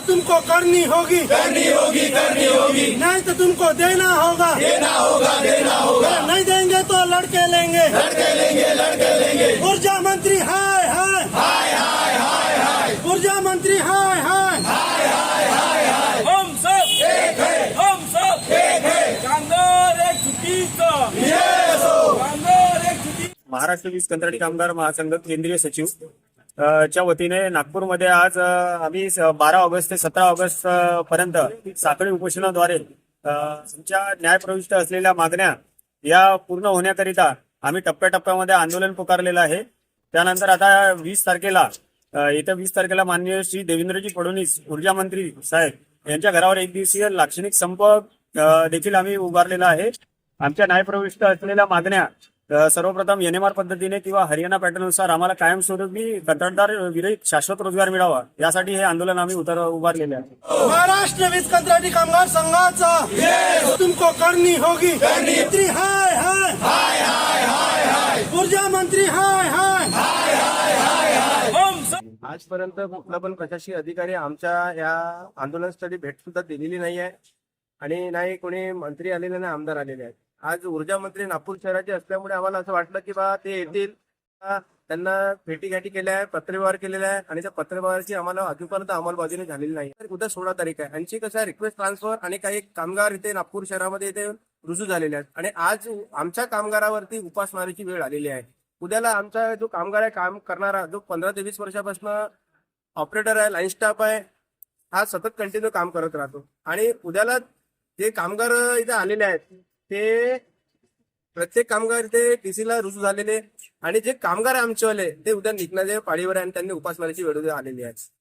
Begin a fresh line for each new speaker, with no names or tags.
तुमको करनी होगी
करनी होगी करनी होगी,
नहीं तो तुमको देना होगा
देना होगा देना होगा,
नहीं देंगे तो लड़के लेंगे
लड़के लेंगे लड़के लेंगे,
ऊर्जा मंत्री हाय हाय
हाय हाय हाय हाय
ऊर्जा मंत्री हाय हाय
हाय हाय हाय हाय,
हम सब
एक है
हम सब
एक है,
कामगार एक चुकीचा
yes हो.
कामगार एक चुकी
महाराष्ट्र वीज कंत्राटी कामगार महासंघ केंद्रीय सचिव च्या वतीने नागपूरमध्ये आज आम्ही 12 ऑगस्ट ते 17 ऑगस्ट पर्यंत साखळी उपोषणाद्वारे आमच्या न्यायप्रविष्ट असलेल्या मागण्या या पूर्ण होण्याकरिता आम्ही टप्प्याटप्प्यामध्ये आंदोलन पुकारलेलं आहे. त्यानंतर आता 20 तारखेला येत्या 20 तारखेला माननीय श्री देवेंद्रजी फडणवीस ऊर्जा मंत्री साहेब यांच्या घरावर एक दिवसीय लाक्षणिक संप देखील आम्ही उभारलेला आहे. आमच्या न्यायप्रविष्ट असलेल्या मागण्या सर्वप्रथम एनएमआर पद्धतीने किंवा हरियाणा पॅटर्ननुसार आम्हाला कायमस्वरूपी कंत्राटदार विरहित शाश्वत रोजगार मिळावा यासाठी हे आंदोलन आम्ही उभारलेले आहे.
महाराष्ट्र वीज कंत्राटी कामगार संघाचा तुमको करनी होगी मंत्री हाय हाय
हाय हाय हाय हाय,
ऊर्जा मंत्री हाय हाय
हाय हाय हाय हाय,
हम सब
आजपर्यंत कुठला पण प्रशासकीय अधिकारी आमच्या या आंदोलनासाठी भेट सुद्धा दिलेली नाही आहे आणि नाही कोणी मंत्री आलेले नाही, आमदार आलेले आहेत. आज ऊर्जा मंत्री नागपूर शहराचे असल्यामुळे आम्हाला असं वाटलं की बा ते येतील, त्यांना भेटीगाठी केल्या आहे, पत्रव्यवहार केलेला आहे आणि त्या पत्रव्यवहाराची आम्हाला अजूनपर्यंत अंमलबजावणी झालेली नाही. तर उद्या 16 तारीख आहे. यांची कसं आहे रिक्वेस्ट ट्रान्सफर आणि काही कामगार इथे नागपूर शहरामध्ये इथे रुजू झालेले आहेत आणि आज आमच्या कामगारावरती उपासमारीची वेळ आलेली आहे. उद्याला आमचा जो कामगार आहे, काम करणारा जो 15 ते 20 वर्षापासून ऑपरेटर आहे, लाईन स्टाफ आहे, हा सतत कंटिन्यू काम करत राहतो आणि उद्याला जे कामगार इथे आलेले आहेत ते प्रत्येक कामगार इथे टीसीला रुजू झालेले आणि जे कामगार आमचेवाले ते उद्या निघण्याच्या पाळीवर आहे आणि त्यांनी उपासमारीची वेळ आलेली आहे.